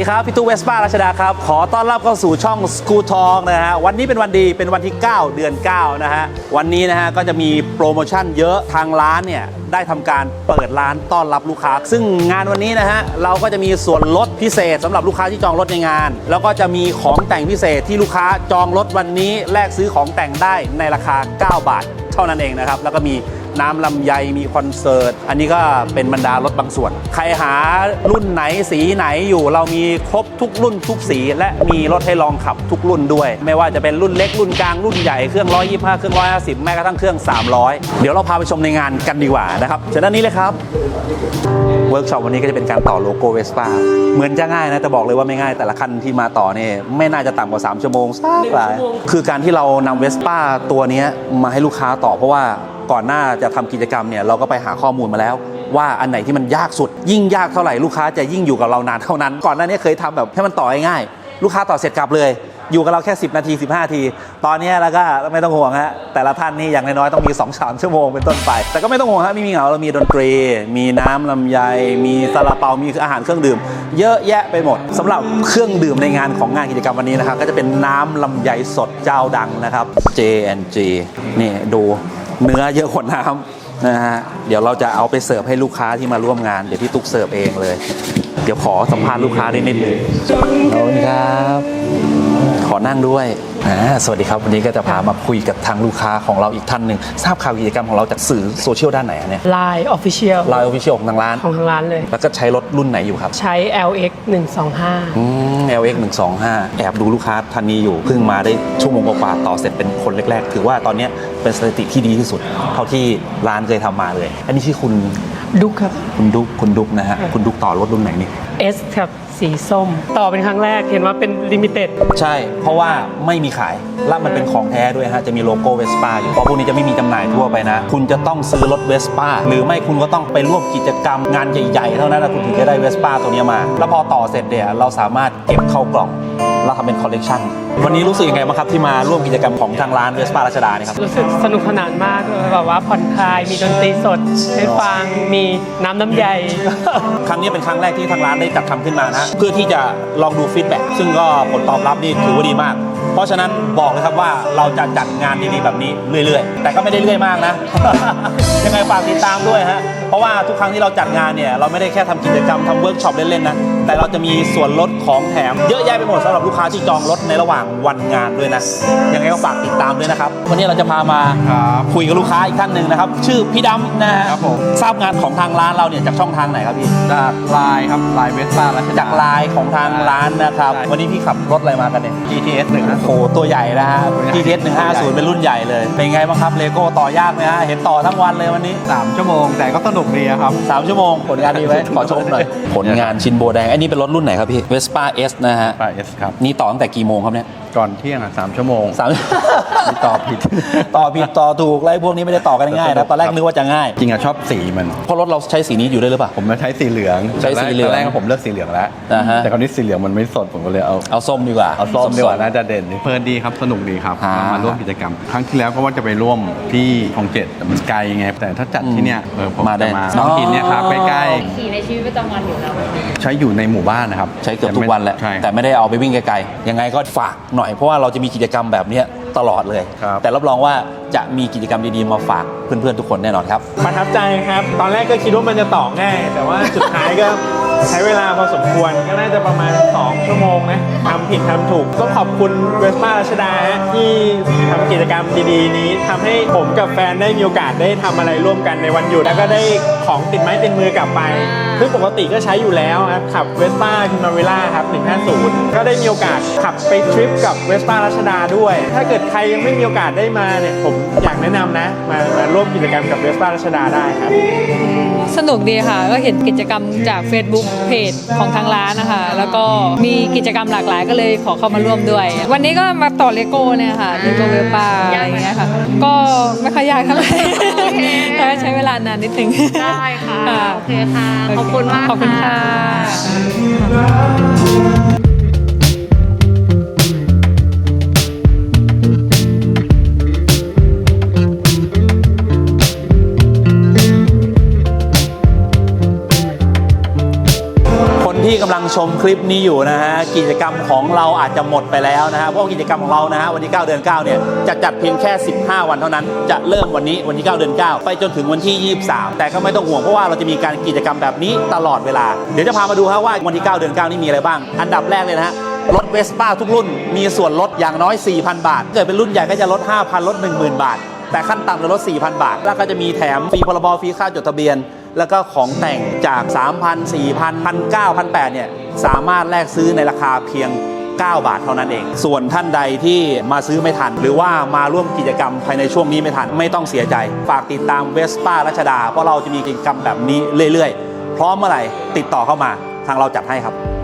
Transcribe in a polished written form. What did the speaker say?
ครับพี่ตู้เวสป้ารัชดาครับขอต้อนรับเข้าสู่ช่องสกูทองนะฮะวันนี้เป็นวันดีเป็นวันที่9เดือน9นะฮะวันนี้นะฮะก็จะมีโปรโมชั่นเยอะทางร้านเนี่ยได้ทำการเปิดร้านต้อนรับลูกค้าซึ่งงานวันนี้นะฮะเราก็จะมีส่วนลดพิเศษสำหรับลูกค้าที่จองรถในงานแล้วก็จะมีของแต่งพิเศษที่ลูกค้าจองรถวันนี้แลกซื้อของแต่งได้ในราคา9 บาทเท่านั้นเองนะครับแล้วก็มีน้ำลำไยมีคอนเสิร์ตอันนี้ก็เป็นบรรดารถบางส่วนใครหารุ่นไหนสีไหนอยู่เรามีครบทุกรุ่นทุกสีและมีรถให้ลองขับทุกรุ่นด้วยไม่ว่าจะเป็นรุ่นเล็กรุ่นกลางรุ่นใหญ่เครื่อง125เครื่อง150แม้กระทั่งเครื่อง300เดี๋ยวเราพาไปชมในงานกันดีกว่านะครับเชิญด้านนี้เลยครับเวิร์กช็อปวันนี้ก็จะเป็นการต่อโลโก้เวสป้าเหมือนจะง่ายนะแต่บอกเลยว่าไม่ง่ายแต่ละคันที่มาต่อเนี่ยไม่น่าจะต่ำกว่า3 ชั่วโมงสักหลายคือการที่เรานำเวสป้าตัวนี้มาให้ลูกค้าต่อเพราะว่าก่อนหน้าจะทำกิจกรรมเนี่ยเราก็ไปหาข้อมูลมาแล้วว่าอันไหนที่มันยากสุดยิ่งยากเท่าไหร่ลูกค้าจะยิ่งอยู่กับเรานานเท่านั้นก่อนหน้านี้เคยทำแบบให้มันต่อง่ายๆลูกค้าต่อเสร็จกลับเลยอยู่กับเราแค่10 นาที15 นาทีตอนนี้แล้วก็ไม่ต้องห่วงฮะแต่ละท่านนี่อย่างน้อยๆต้องมี 2-3 ชั่วโมงเป็นต้นไปแต่ก็ไม่ต้องห่วงฮะไม่มีเหงาเรามีดนตรีมีน้ำลำไยมีซาลาเปามีอาหารเครื่องดื่มเยอะแยะไปหมดสำหรับเครื่องดื่มในงานของงานกิจกรรมวันนี้นะครับก็จะเป็นน้ำลำไยสดเจ้าดังนะครับ J&G นี่ดูเนื้อเยอะกว่าน้ำนะฮะเดี๋ยวเราจะเอาไปเสิร์ฟให้ลูกค้าที่มาร่วมงานเดี๋ยวพี่ตุ๊กเสิร์ฟเองเลยเดี๋ยวขอสัมภาษณ์ลูกค้าได้นิดนึงขอบคุณครับขอนั่งด้วยสวัสดีครับวันนี้ก็จะพามาคุยกับทางลูกค้าของเราอีกท่านหนึ่งทราบข่าวกิจกรรมของเราจากสื่อโซเชียลด้านไหนเนี่ย Line Official Line Official ของทางร้านเลยแล้วก็ใช้รถรุ่นไหนอยู่ครับใช้ LX 125 LX 125แอบดูลูกค้าท่านนี้อยู่เพิ่งมาได้ชั่วโมงกว่าต่อเสร็จเป็นคนแรกๆถือว่าตอนนี้เป็นสถิติที่ดีที่สุดเท่าที่ร้านเคยทำมาเลยอันนี้ชื่อคุณดุ๊กครับคุณดุ๊กนะฮะคุณดุ๊กต่อรถรุ่นไหนนี่ S ครับสีส้มต่อเป็นครั้งแรกเห็นว่าเป็นลิมิเต็ดใช่เพราะว่าไม่มีขายและมันเป็นของแท้ด้วยฮะจะมีโลโก้เวสป้าอยู่เพราะพวกนี้จะไม่มีจำหน่ายทั่วไปนะคุณจะต้องซื้อรถเวสป้าหรือไม่คุณก็ต้องไปร่วมกิจกรรมงานใหญ่ๆเท่านั้นคุณถึงจะได้เวสป้าตัวนี้มาแล้วพอต่อเสร็จเนี่ยเราสามารถเก็บเข้ากล่องเราทำเป็นคอลเลกชันวันนี้รู้สึกยังไงบ้างครับที่มาร่วมกิจกรรมของทางร้านเวสป้ารัชดาเนี่ยครับรู้สึกสนุกสนานมากเลยแบบว่าผ่อนคลายมีดนตรีสดให้ฟังมีน้ำใยครั้งนี้เป็นครั้งแรกที่ทางร้านได้จัดทำขึ้นมานะเพื่อที่จะลองดูฟีดแบ็กซึ่งก็ผลตอบรับนี่ถือว่าดีมากเพราะฉะนั้นบอกเลยครับว่าเราจะจัดงานดีๆแบบนี้เรื่อยๆแต่ก็ไม่ได้เรื่อยมากนะ ยังไงฝากติดตามด้วยฮะเพราะว่าทุกครั้งที่เราจัดงานเนี่ยเราไม่ได้แค่ทำกิจกรรมทำเวิร์กช็อปเล่นๆนะแต่เราจะมีส่วนลดของแถมเยอะแยะไปหมดสำหรับลูกค้าที่จองรถในระหว่างวันงานด้วยนะยังไงก็ฝากติดตามด้วยนะครับวันนี้เราจะพามาคุยกับลูกค้าอีกท่านหนึ่งนะครับชื่อพี่ดำนะฮะทราบงานของทางร้านเราเนี่ยจากช่องทางไหนครับพี่จากไลน์ครับไลน์เวสป้าแล้วจากไลน์ของทางร้านนะครับวันนี้พี่ขับรถอะไรมากันเนี่ย GTS 150 โอ้ตัวใหญ่นะฮะ GTS 150เป็นรุ่นใหญ่เลยเป็นไงบ้างครับเลโก้ต่อยากไหมฮะเห็นต่อทั้งวันเลยวันนี้ 3 ชั่วโมงแต่ก็สนุกดีครับ 3 ชั่วโมงผลงานดีไหมขอชมหน่อยผลงานชินโบแดงอันนี้เป็นรถรุ่นไหนครับพี่ Vespa S นะฮะ Vespa S ครับนี่ต่อตั้งแต่กี่โมงครับเนี่ยก่อนเที่ยง3 ชั่วโมงต่อผิดต่อถูกไรพวกนี้ไม่ได้ต่อกันง่ายนะตอนแรกนึกว่าจะง่ายจริงอะชอบสีมันเพราะรถเราใช้สีนี้อยู่ด้วยหรือเปล่าผมใช้สีเหลืองใช้สีเหลืองตอนแรกผมเลือกสีเหลืองแล้วแต่คราวนี้สีเหลืองมันไม่สดผมก็เลยเอาส้มดีกว่าเอาส้มดีกว่าน่าจะเด่นเพลินดีครับสนุกดีครับมาร่วมกิจกรรมครั้งที่แล้วก็ว่าจะไปร่วมที่คลอง7แต่มันไกลไงแต่ถ้าจัดที่เนี่ยผมมาได้น้องหินเนี่ยครับใกล้ๆขี่ในชีวิตประจำวันอยู่แล้วใช้อยู่ในหมู่บ้านนะครับใช้เกือบทุกวันแหละแต่ไม่ได้เอาไปวิ่งไกลๆยังไงก็ฝากหน่อยเพราะว่าเราจะมีกิจกรรมแบบนี้ตลอดเลยแต่รับรองว่าจะมีกิจกรรมดีๆมาฝากเพื่อนๆทุกคนแน่นอนครับประทับใจครับตอนแรกก็คิดว่ามันจะต่อง่ายแต่ว่าสุดท้ายก็ใช้เวลาพอสมควรก็น่าจะประมาณ2 ชั่วโมงนะทำผิดทำถูกต้องขอบคุณเวสป้ารัชดาที่ทำกิจกรรมดีๆนี้ทำให้ผมกับแฟนได้มีโอกาสได้ทำอะไรร่วมกันในวันหยุดแล้วก็ได้ของติดไม้ติดมือกลับไปซึ่งปกติก็ใช้อยู่แล้วครับขับเวสป้าพิมาเวล่าครับ150ก็ได้มีโอกาสขับไปทริปกับเวสป้ารัชดาด้วยถ้าเกิดใครยังไม่มีโอกาสได้มาเนี่ยผมอยากแนะนำนะมาร่วมกิจกรรมกับเวสป้ารัชดาได้ครับสนุกดีค่ะก็เห็นกิจกรรมจาก Facebook เพจของทางร้านนะคะแล้วก็มีกิจกรรมหลากหลายก็เลยขอเข้ามาร่วมด้วยวันนี้ก็มาต่อเลโก้เนี่ยค่ะเลโก้เวลป้าอะไรอย่างเงี้ยค่ะก็ไม่ค่อยยากเท่าไหร่แต่ใช้เวลานานนิดนึงได้ค่ะโอเคค่ะขอบคุณมากขอบคุณค่ะที่กำลังชมคลิปนี้อยู่นะฮะกิจกรรมของเราอาจจะหมดไปแล้วนะฮะเพราะกิจกรรมของเรานะฮะวันที่9เดือน9เนี่ยจะจัดเพียงแค่15วันเท่านั้นจะเริ่มวันนี้วันที่9เดือน9ไปจนถึงวันที่23แต่ก็ไม่ต้องห่วงเพราะว่าเราจะมีการกิจกรรมแบบนี้ตลอดเวลาเดี๋ยวจะพามาดูครับว่าวันที่9เดือน9นี่มีอะไรบ้างอันดับแรกเลยนะฮะรถเวสป้าทุกรุ่นมีส่วนลดอย่างน้อย 4,000 บาทเกิดเป็นรุ่นใหญ่ก็จะลด 5,000 ลด 10,000 บาทแต่ขั้นต่ำจะลด 4,000 บาทแล้วก็จะมีแถมฟรีพรบฟรีค่าจดทะเบียนแล้วก็ของแต่งจาก 3,000 4,000 1,900 1,800 เนี่ยสามารถแลกซื้อในราคาเพียง9 บาทเท่านั้นเองส่วนท่านใดที่มาซื้อไม่ทันหรือว่ามาร่วมกิจกรรมภายในช่วงนี้ไม่ทันไม่ต้องเสียใจฝากติดตามเวสป้ารัชดาเพราะเราจะมีกิจกรรมแบบนี้เรื่อยๆพร้อมเมื่อไหร่ติดต่อเข้ามาทางเราจัดให้ครับ